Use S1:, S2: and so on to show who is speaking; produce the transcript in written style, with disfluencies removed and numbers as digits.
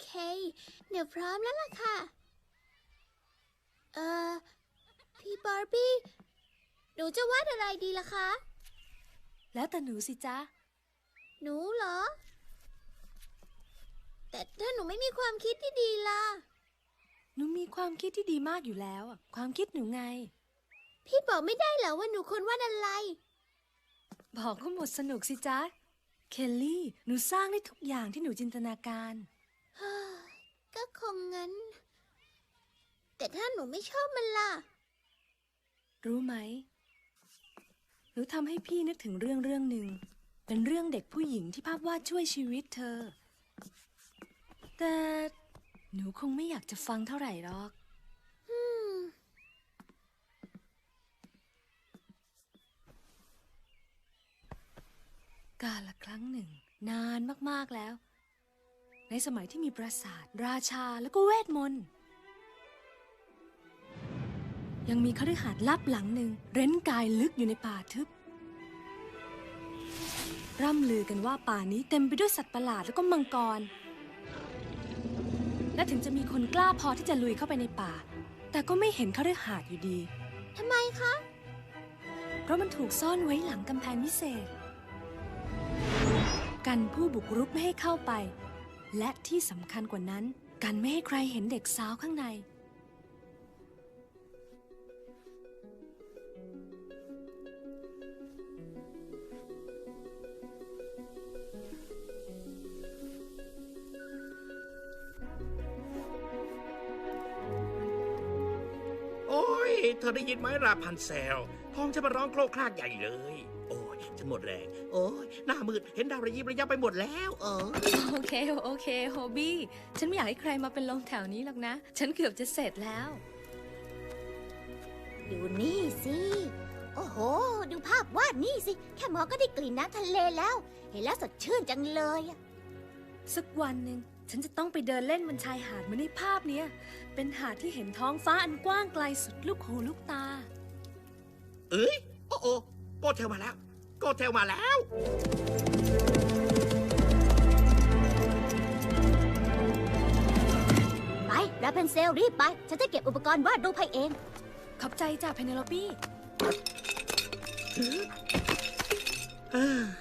S1: เคเดี๋ยวพร้อมแล้วล่ะค่ะพี่บาร์บี้หนูจะวาดอะไรดีล่ะคะ
S2: แล้วแต่หนูสิจ๊ะ
S1: หนูเหรอแต่ถ้าหนูไม่มีความคิดที่ดีล่ะ
S2: หนูมีความคิดที่ดีมากอยู่แล้วความคิดหนูไง
S1: พี่บอกไม่ได้เหรอว่าหนูควรวาดอะไร
S2: บอกก็หมดสนุกสิจ๊ะเคลลี่หนูสร้างได้ทุกอย่างที่หนูจินตนาการ
S1: ก็คงงั้นแต่ถ้าหนูไม่ชอบมันล่ะ
S2: รู้ไหมหนูทำให้พี่นึกถึงเรื่องหนึ่งเป็นเรื่องเด็กผู้หญิงที่ภาพวาดช่วยชีวิตเธอแต่หนูคงไม่อยากจะฟังเท่าไหร่หรอกกาลครั้งหนึ่งนานมากๆแล้วในสมัยที่มีปราสาทราชาแล้วก็เวทมนต์ยังมีคฤหาสน์ลับหลังหนึ่งเร้นกายลึกอยู่ในป่าทึบร่ำลือกันว่าป่านี้เต็มไปด้วยสัตว์ประหลาดแล้วก็มังกรและถึงจะมีคนกล้าพอที่จะลุยเข้าไปในป่าแต่ก็ไม่เห็นคฤหาสน์อยู่ดี
S1: ทำไมคะ
S2: เพราะมันถูกซ่อนไว้หลังกำแพงวิเศษกันผู้บุกรุกไม่ให้เข้าไปและที่สำคัญกว่านั้นกันไม่ให้ใครเห็นเด็กสาวข้างใน
S3: โอ้ยเธอได้ยินไหมราพันเซลท้องจะมาร้องโครกครากใหญ่เลยโอ้ยฉันหมดแรงโอ้ยหน้ามืดเห็นดาวระยิบระยับไปหมดแล้ว
S2: โอเคโฮบี้ฉันไม่อยากให้ใครมาเป็นลมแถวนี้หรอกนะฉันเกือบจะเสร็จแล้ว
S1: ดูนี่สิโอ้โหดูภาพวาดนี่สิแค่มองก็ได้กลิ่นน้ำทะเลแล้วเห็นแล้วสดชื่นจังเลย
S2: สักวันหนึ่งฉันจะต้องไปเดินเล่นบนชายหาดเหมือนในภาพเนี้ยเป็นหาดที่เห็นท้องฟ้าอันกว้างไกลสุดลูกหูลูกตา
S3: เอ้ยโอ้โกเทลมาแล้วโกเทลมาแล้ว
S1: ไปราพันเซลรีบไปฉันจะเก็บอุปกรณ์วาดรูปให้เอง
S2: ขอบใจจ้ะเพเนโลปี้